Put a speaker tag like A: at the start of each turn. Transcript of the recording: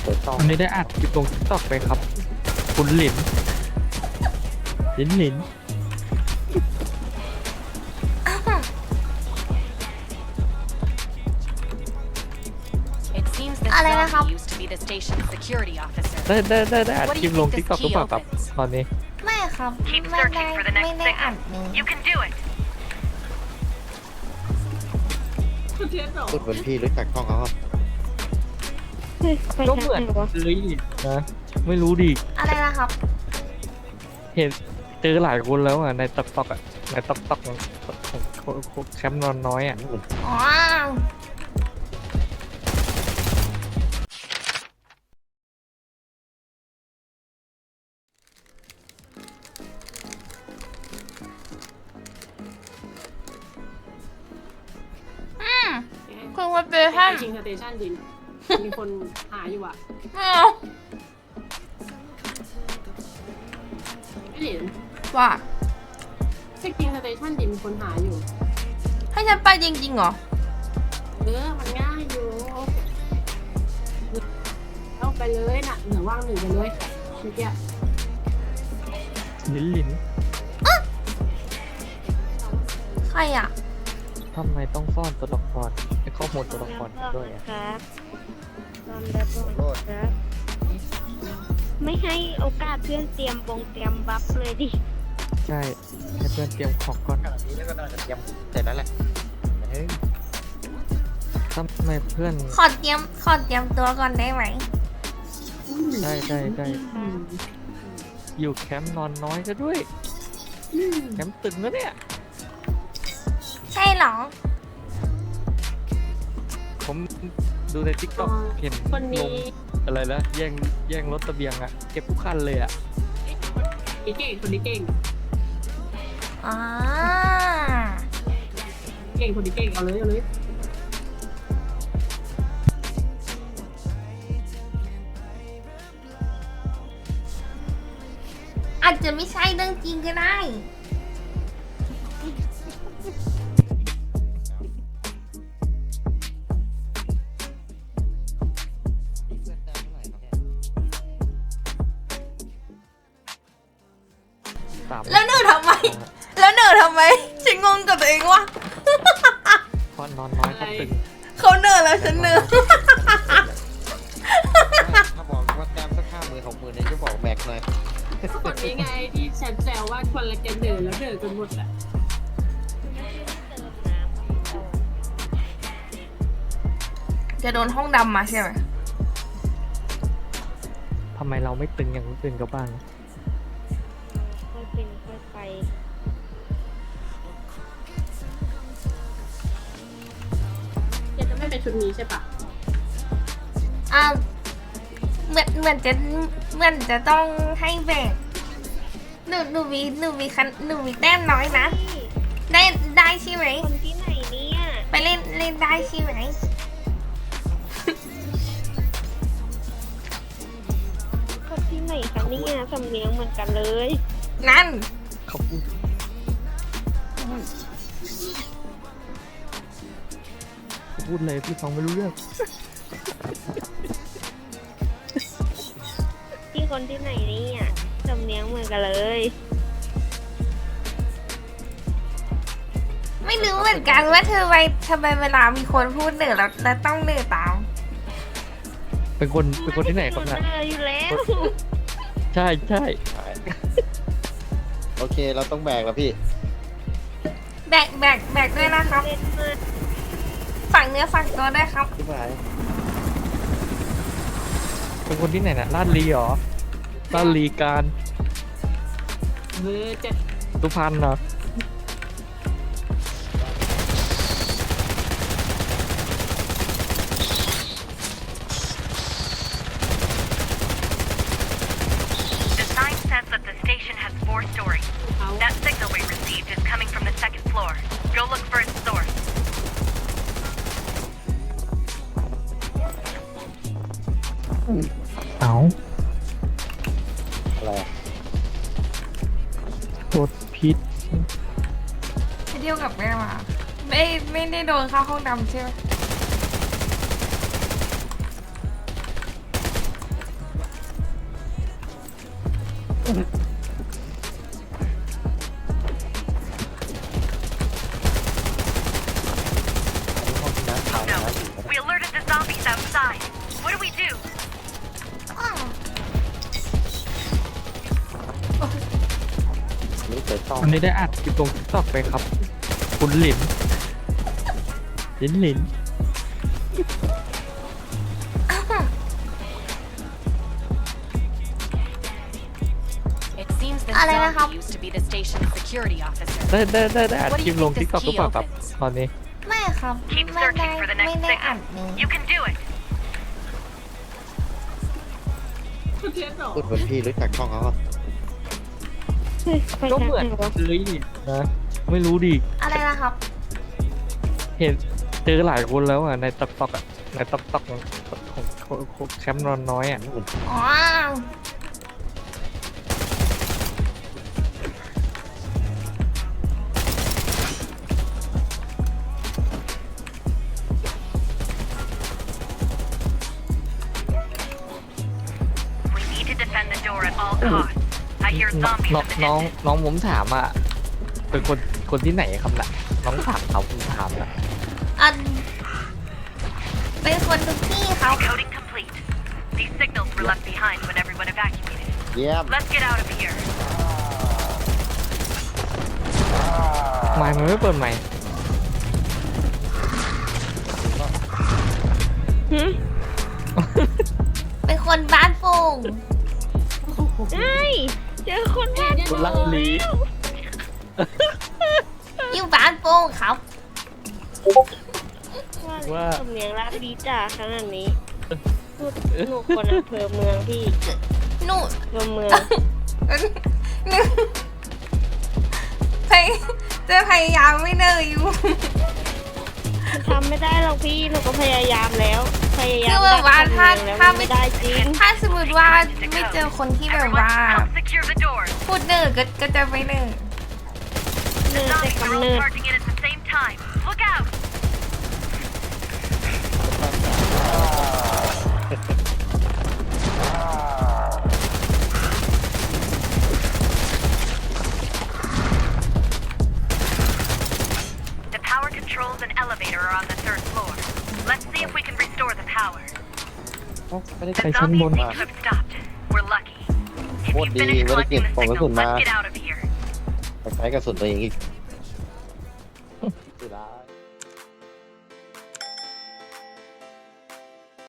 A: วันนี้ได้อัดคลิปลงทิกตอกไปครับ คุณหลิน หลิน
B: อะไรนะครับ
A: ได้อัดคลิปลงทิกตอกหรือเปล่าครับตอนนี้
B: ไม่ครับไม่ได้อัดเลย
C: พูดเหมือนพี่รู้จักกล้องเขาครับ
A: ก็เหมือนเลยนะไม่รู้ดิ
B: อะไรนะครับ
A: เห็นเจอหลายคนแล้วอ่ะในติ๊กต็อกอ่ะในติ๊กต็อกของแคมป์นอนน้อยอ่ะ
B: อ๋อคุณว่าเจอท่าน
D: ชิงสเตชันดินมีคนหาอยู่อ่ะไม่เหรียญ
B: ว่า
D: เช็คชิงสเตชันดินมีคนหาอยู่
B: ให้ฉันไปจริงๆเหรอ
D: มันง่ายอยู่เอาไปเลยน่ะเหนือว่างหนึ่งไปเลยเมื่อกี้
A: หลิน
B: ใครอ่ะ
A: ทำไมต้องซ่อนตัวละครไอ้ข้อมูลตัวละครด้วยอ่ะ
E: ครับตอนแบบครับ ไม่ให้โอกาสเพื่อนเตรียมบัฟเลยดิ
A: ใช่ให้เพื่อนเตรียมของก่อน
C: ขนาดนี้แล้วก็น่าจะเตรียมเสร็จแล้วแหละเฮ้ย
A: ทำไมเพื่อน
B: ขอเตรียมตัวก่อนได้ไหม
A: ได้อยู่แคมป์นอนน้อยซะด้วยแคมป์ตึงแล้วเนี่ย
B: ใช่เหรอ
A: ผมดูในทิกตอกเห็น
D: คน
A: ล
D: นี้
A: งอะไรนะแย่งรถตะเบียงอะเก็บทุกคันเลยอะ
D: เก่งคนนี้เก่ง
B: อ่า
D: คนนี้เก่งเอาเลย
B: อาจจะไม่ใช่เรื่องจริงก็ได้
A: 3
B: แล้วเหนื่อยทำไมฉันงงกับตัวเองว่ะ
A: เพราะนอนน้อยเขาตึง
B: เขาเหนื่อยแล้วฉันเหนื่อย
C: ถ้าบอกว่าแต้มสัก50,000 60,000เนี่ยจะบอกแบกหน่อย
D: คนนี้ไงที่ฉันแซวว่าคนละแกนเดินแล้วเดินจนหมดแหละ
B: จะโดนห้องดำมาใช่ไหม
A: ทำไมเราไม่ตึงอย่างคนอื่นเขาบ้าง
E: ค่อยเป็นค่อยไป
D: จะไม่เป็นชุดนี้ใช่ปะ
B: อ่าเหมือนจะต้องให้แบกหนูมีแต้มน้อยนะ ได้ใช่ไหม
E: คนที่ไหนเนี่ย
B: ไปเล่นได้ใช่ไหม
E: คนที่ไหนคะเนี่ยสำเนียงเหมือนกันเลย
B: นั่น
A: เขาพูดเลยพี่ฟังไม่รู้เรื่อง
E: ที่คนที่ไหนเนี่ยสำเนียงเหมือนกันเลย
B: ไม่รู้เหมือนกันว่าทำไมเวลามีคนพูดเหนือแล้วต้องเหนือตาม
A: เป็นคนที่ไหนครับ
E: เน
A: เนี่ย
E: อยู่แล้ว
A: ใช่
C: โอเคเราต้องแบกแล้วพี่
B: แบกด้วยนะครับ
E: เล่นมาก
B: ฝั่งเนื้อฝั่งตัวด้วยครับ
C: ที่หมาย
A: เป็นคนที่ไหนนะลาดลีเหรอลาดลีการ
D: เบอร์จะ
A: สุพรรณเหรอ
F: Sign says that the station has 4 stories.
D: เขา
F: That signal we received is coming from the 2nd floor. Go look for its source.
A: เอา
C: อะไรอะ
A: รถพิษ
B: ไปเที่ยวกับแม่มาไม่ได้โดนเข้าห้องดำใช่ไหม
C: ห้องน้ำ
F: Oh no. We alerted the zombies outside. What do we do?
B: อ้าว
C: นี่เปิดต้อง
A: วันนี้ได้อัดคลิปลง TikTok ไปครับ คุณหลินหลิน
F: It seems this
B: อะไรนะครับ
F: zombie used to be the station's security officer.
A: ได้อัดคลิปลง TikTok หรือเปล่าครับตอนนี้
B: ไม่ครับ
F: Keep
B: ไม่ได้
F: searching for the
B: ไม่
F: next
B: ได้อัด
F: signal.
B: เลย
F: You can do it.
D: คุณเทียนเหรอ
C: พูดเหมือนพี่รู้จักช่องเขาอะ
E: เฮ้ยไป
A: ก็
E: ทาง
A: เหมือน
E: ไหนวะ
A: เลยนะไม่รู้ดิ
B: อะไรนะครับ
A: เห็นเจอหลายคนแล้วอ่ะในTikTokอ่ะในTikTokของแคมป์นอนน้อยอ่ะ
B: อ๋อ
F: We need to defend the door at all costs. I hear
A: น้อง
F: zombies
A: น้อง
F: in the
A: น้อง
F: distance.
A: น้องผมถามอ่ะเป็นคนที่ไหนครับน่ะน้องถามเขาผมถามน่ะ
B: อันเป็นคนทุกที่ครับ
F: Decoding complete. These signals were left behind when everyone evacuated.
C: เยี่ยม
F: Let's get out of here.
A: ไม่มันไม่เปิดใหม่
E: หึ
B: เป็นคนบ้านโป่ง
E: เอ้ยเจอคนบ้าน
A: คนรักลี
B: อยู่บ้านโป่งครับ
E: ว่าสำเนียงรักดีจ้าขนาดนี้พูดหนูคนอำเภอเมืองพี่
B: หนู
E: อำเภอเมือง
B: หนูพยจะพยายามไม่เนยอยู่
E: ทำไม่ได้หรอกพี่หนูก็พยายามแล้ว พยายาม
B: คือแบบว่า
E: ดัก
B: ถ้า
E: สำเนียงแล้ว
B: ถ้า
E: มันไม่ได้จริง
B: ถ้าสมมติว่าไม่เจอคนที่แบบ
F: Everyone,
B: ว่า
F: help secure the doors.
B: พูดเนอก็จะไม่เนอ
E: เนิร์ดแต่
F: Zombies are
E: กำ
F: all
E: เนิด
F: charging in at the same time. Look out! The power controls and elevator are on the third floor. Let's see if we can restore the power.
C: ไม่ได้
F: The
C: ใช้
A: ชั้นบ
F: zombies
A: น
F: seem to have stopped. We're lucky. If
C: What
F: you
C: do
F: finish
C: you- what do you
F: collecting the
C: think?
F: signal,
C: Pagkasundo.
F: let's get out of here.
C: ใช้กระสุนตัวเองอีก